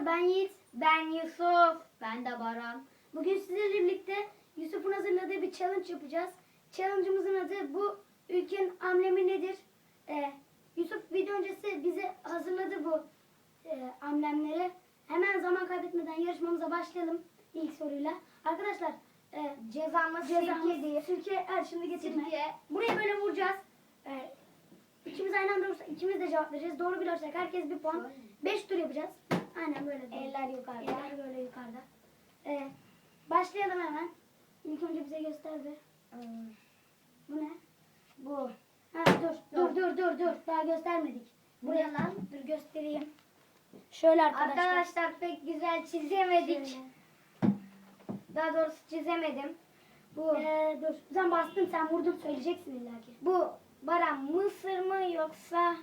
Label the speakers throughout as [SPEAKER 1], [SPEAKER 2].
[SPEAKER 1] ben Yiğit.
[SPEAKER 2] Ben Yusuf. Ben de Baran.
[SPEAKER 1] Bugün sizlerle birlikte Yusuf'un hazırladığı bir challenge yapacağız. Challenge'ımızın adı bu ülkenin amblemi nedir? Yusuf video öncesi bize hazırladı bu amblemleri. Hemen zaman kaybetmeden yarışmamıza başlayalım ilk soruyla. Arkadaşlar
[SPEAKER 2] Cezamız
[SPEAKER 1] cezamız
[SPEAKER 2] sirkedir.
[SPEAKER 1] Sirke, şimdi getirme.
[SPEAKER 2] Sirke.
[SPEAKER 1] Buraya böyle vuracağız. İkimiz aynı anda vurursak ikimiz de cevap vereceğiz. Doğru bilirsek herkes bir puan. 5 tur yapacağız. Aynen böyle.
[SPEAKER 2] Eller yukarıda.
[SPEAKER 1] Eller böyle yukarıda. Başlayalım hemen. İlk önce bize gösterdi. Bu ne?
[SPEAKER 2] Bu.
[SPEAKER 1] Ha, dur. Daha göstermedik. Buraya lan. Dur göstereyim. Şöyle arkadaşlar.
[SPEAKER 2] Arkadaşlar pek güzel çizemedik.
[SPEAKER 1] Şöyle.
[SPEAKER 2] Daha doğrusu çizemedim. Bu.
[SPEAKER 1] Dur. Sen bastın, sen vurdun, söyleyeceksin illaki.
[SPEAKER 2] Bu Baran Mısır mı yoksa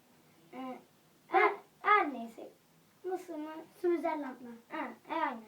[SPEAKER 2] her neyse. Mısır mı?
[SPEAKER 1] Switzerland mı?
[SPEAKER 2] Aynen.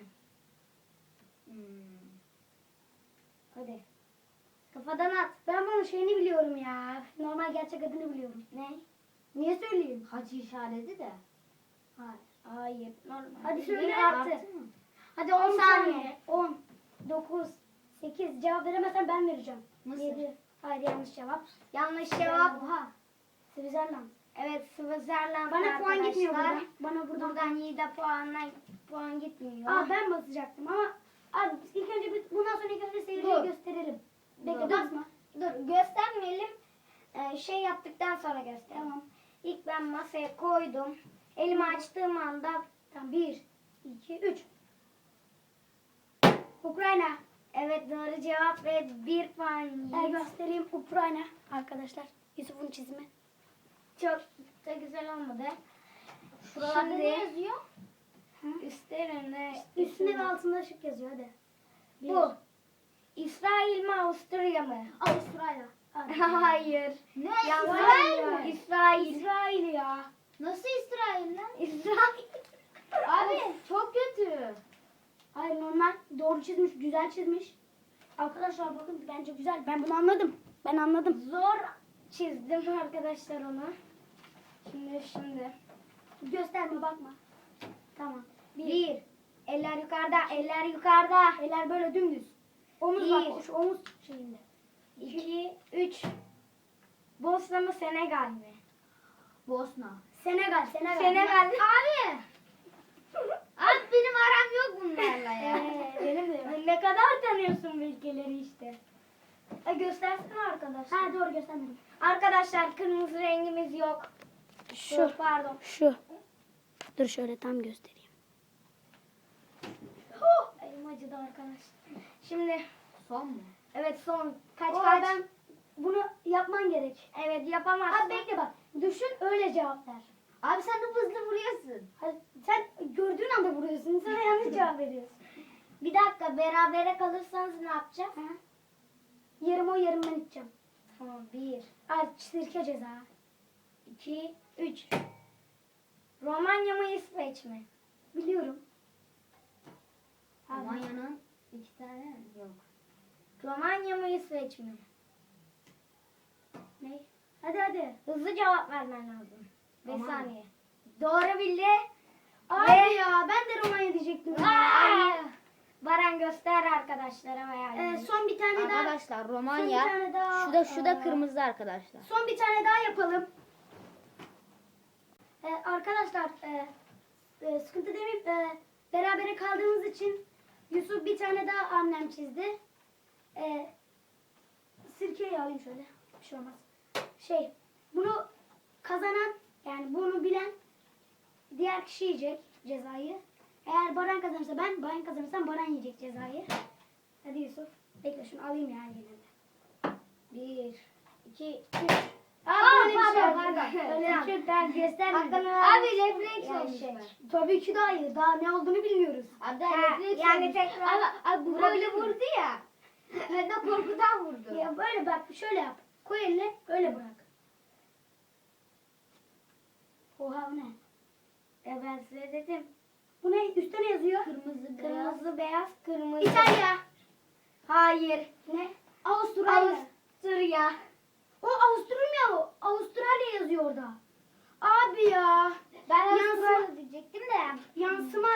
[SPEAKER 2] Hadi. Kafadan at.
[SPEAKER 1] Ben bunun şeyini biliyorum ya. Normal gerçek adını biliyorum.
[SPEAKER 2] Ne?
[SPEAKER 1] Niye söyleyeyim?
[SPEAKER 2] Haç işareti de. Hayır. Normal.
[SPEAKER 1] Hadi söyle
[SPEAKER 2] Bir
[SPEAKER 1] artık.
[SPEAKER 2] artı mı?
[SPEAKER 1] Hadi 10
[SPEAKER 2] 10
[SPEAKER 1] saniye.
[SPEAKER 2] saniye.
[SPEAKER 1] 10, 9, 8. Cevap veremezsen ben vereceğim.
[SPEAKER 2] Mısır.
[SPEAKER 1] 7. Hayır, yanlış cevap.
[SPEAKER 2] Yanlış cevap.
[SPEAKER 1] Oha. Switzerland.
[SPEAKER 2] Evet, Switzerland
[SPEAKER 1] Bana puan gitmiyor
[SPEAKER 2] arkadaşlar.
[SPEAKER 1] buradan. Bana buradan.
[SPEAKER 2] Buradan Yiğit'e puan gitmiyor.
[SPEAKER 1] Ben basacaktım ama abi ilk önce bundan sonra ilk önce seyirciye
[SPEAKER 2] Dur.
[SPEAKER 1] gösterelim. Bekle,
[SPEAKER 2] Dur.
[SPEAKER 1] basma.
[SPEAKER 2] Dur, göstermeyelim. Şey yaptıktan sonra göster.
[SPEAKER 1] Tamam.
[SPEAKER 2] İlk ben masaya koydum. Elimi açtığım anda
[SPEAKER 1] Tamam, 1, 2, 3. Ukrayna.
[SPEAKER 2] evet doğru cevap ve 1 puan Yiğit.
[SPEAKER 1] Göstereyim, Ukrayna arkadaşlar. Yusuf'un çizimi.
[SPEAKER 2] Çok da güzel olmadı.
[SPEAKER 1] Şuralarda
[SPEAKER 2] Şimdi
[SPEAKER 1] ne yazıyor?
[SPEAKER 2] üstlerinde
[SPEAKER 1] Üstünde ve altında ışık yazıyor, hadi.
[SPEAKER 2] bu. İsrail mi Avusturya mı?
[SPEAKER 1] Avustralya.
[SPEAKER 2] Hayır.
[SPEAKER 1] Ne?
[SPEAKER 2] İsrail mi? İsrail.
[SPEAKER 1] İsrail ya.
[SPEAKER 2] Nasıl İsrail lan? İsrail. Abi çok kötü.
[SPEAKER 1] Hayır, normal doğru çizmiş, güzel çizmiş. Arkadaşlar bakın, bence güzel. Ben bunu anladım. Ben anladım.
[SPEAKER 2] Zor çizdim arkadaşlar onu. Şimdi.
[SPEAKER 1] Gösterme, bakma. Tamam.
[SPEAKER 2] Bir. Eller yukarıda, eller yukarıda.
[SPEAKER 1] Eller böyle dümdüz. Omuz
[SPEAKER 2] Bir.
[SPEAKER 1] bak, şu omuz şeyinde.
[SPEAKER 2] 2, 3. Bosna mı Senegal mi? Bosna.
[SPEAKER 1] Senegal.
[SPEAKER 2] Senegal. Abi. Abi benim aram yok bunlarla ya.
[SPEAKER 1] Benim de yok.
[SPEAKER 2] Ne kadar tanıyorsun bu ülkeleri işte. Göstersene arkadaşlar.
[SPEAKER 1] Ha, doğru göstermedim.
[SPEAKER 2] Arkadaşlar kırmızı rengimiz yok. Dur, pardon.
[SPEAKER 1] Şu. Dur şöyle tam göstereyim.
[SPEAKER 2] Elim acıdı arkadaşlar. Şimdi
[SPEAKER 1] Son mu?
[SPEAKER 2] evet son. Kaç?
[SPEAKER 1] Ben bunu yapman gerek.
[SPEAKER 2] Evet yapamazsın.
[SPEAKER 1] Abi bekle bak. Düşün, öyle cevap ver.
[SPEAKER 2] Abi sen de hızlı vuruyorsun.
[SPEAKER 1] Hayır, sen gördüğün anda vuruyorsun. Sana yanlış cevap veriyorsun.
[SPEAKER 2] Bir dakika berabere kalırsanız ne yapacağız?
[SPEAKER 1] Ha? Yarım o, yarım ben içeceğim.
[SPEAKER 2] Tamam 1,
[SPEAKER 1] Sirke ceza.
[SPEAKER 2] 2, 3. Romanya mı İsveç mi?
[SPEAKER 1] Biliyorum.
[SPEAKER 2] Romanya'nın 2 tane yok. Romanya mı İsveç mi?
[SPEAKER 1] Ne? Hadi.
[SPEAKER 2] Hızlı cevap vermen lazım. 5
[SPEAKER 1] Romanya.
[SPEAKER 2] saniye. Doğru bildi.
[SPEAKER 1] Abi
[SPEAKER 2] Ve-
[SPEAKER 1] ya, ben de Romanya diyecektim.
[SPEAKER 2] Aa! Baran göster arkadaşlara veya.
[SPEAKER 1] Son bir tane daha.
[SPEAKER 3] Arkadaşlar
[SPEAKER 1] Son
[SPEAKER 3] Romanya
[SPEAKER 1] bir tane daha.
[SPEAKER 3] şurada kırmızı arkadaşlar.
[SPEAKER 1] Son bir tane daha yapalım. Arkadaşlar sıkıntı demeyip berabere kaldığımız için Yusuf bir tane daha amblem çizdi. Sirkeyi alayım şöyle. Bir şey olmaz. Bunu kazanan, yani bunu bilen diğer kişi yiyecek cezayı. Eğer Baran kazanırsa Baran kazanırsa Baran yiyecek cezayı. Hadi Yusuf. Bekle, şunu alayım ya yine de.
[SPEAKER 2] 1, 2, 3.
[SPEAKER 1] Böyle bir şey yok.
[SPEAKER 2] pardon.
[SPEAKER 1] Öyle bir şey yok. Ben göstermedim.
[SPEAKER 2] Abi refleks
[SPEAKER 1] Yanlış
[SPEAKER 2] olacak.
[SPEAKER 1] var. Tabii ki de hayır. Daha ne olduğunu bilmiyoruz.
[SPEAKER 2] Abi
[SPEAKER 3] Ha,
[SPEAKER 2] refleks
[SPEAKER 3] yani
[SPEAKER 2] olmuş.
[SPEAKER 3] tekrar
[SPEAKER 2] Abi bu böyle vurdu ya. Ben de korkudan vurdu.
[SPEAKER 1] Ya böyle bak, şöyle yap. Koy eline, öyle bırak. Oha, o ne?
[SPEAKER 2] Ben size dedim.
[SPEAKER 1] Bu ne? Üstte ne yazıyor?
[SPEAKER 2] Kırmızı, beyaz, kırmızı.
[SPEAKER 1] İtalya.
[SPEAKER 2] Hayır.
[SPEAKER 1] Ne? Avustralya.
[SPEAKER 2] Avusturya.
[SPEAKER 1] O Avusturya o. Avustralya yazıyor orada. Abi ya.
[SPEAKER 2] Ben
[SPEAKER 1] Yansıma-
[SPEAKER 2] Avustralya diyecektim de.
[SPEAKER 1] Yansıma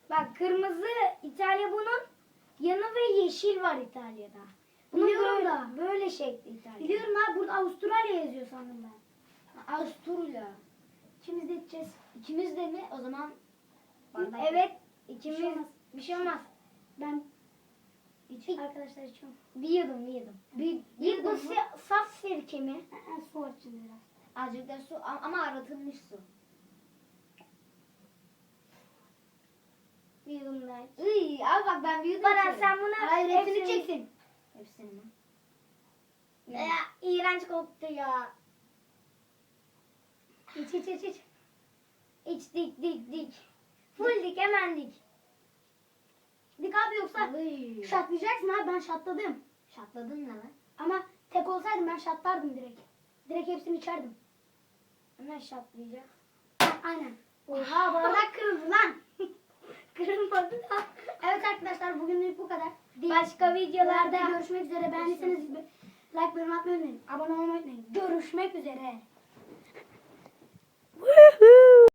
[SPEAKER 1] Bak kırmızı İtalya bunun yanı ve yeşil var İtalya'da. Bunun
[SPEAKER 2] Biliyorum
[SPEAKER 1] böyle,
[SPEAKER 2] da.
[SPEAKER 1] böyle şekli İtalya.
[SPEAKER 2] Biliyorum abi, burada Avustralya yazıyor sandım ben.
[SPEAKER 1] Avusturya. İkimiz de içeceğiz.
[SPEAKER 2] İkimiz de mi? O zaman bardak.
[SPEAKER 1] Evet.
[SPEAKER 2] Bir
[SPEAKER 1] İkimiz.
[SPEAKER 2] şey olmaz.
[SPEAKER 1] Bir şey olmaz. Ben
[SPEAKER 2] İç.
[SPEAKER 1] arkadaşlar içiyorum.
[SPEAKER 2] Bir yudum. Bir
[SPEAKER 1] Bu
[SPEAKER 2] yudum mu?
[SPEAKER 1] saf sirke mi? Su var içinde biraz.
[SPEAKER 2] Azıcık da su ama aratılmış su.
[SPEAKER 1] Bir yudum daha iç.
[SPEAKER 2] Iy, abi bak ben bir yudum
[SPEAKER 1] Baran
[SPEAKER 2] içerim.
[SPEAKER 1] sen bunu
[SPEAKER 2] Hayır, hepsini
[SPEAKER 1] hepsini
[SPEAKER 2] çeksin. Hepsini mi?
[SPEAKER 1] İğrenç koktu ya. İç. İç dik. Full dik hemen dik. Dik abi yoksa
[SPEAKER 2] Iy.
[SPEAKER 1] şatlayacaksın abi, ben şatladım.
[SPEAKER 2] Şatladın ne lan?
[SPEAKER 1] Ama tek olsaydım ben şatlardım direkt. Direkt hepsini içerdim.
[SPEAKER 2] Hemen şatlayacak.
[SPEAKER 1] Aynen. Oha bardak kırıldı lan. Kırılmadı da. Evet arkadaşlar bugünlük bu kadar. Başka videolarda görüşmek üzere. Beğendiyseniz like, yorum atmayı unutmayın. Abone olmayı unutmayın. Görüşmek üzere.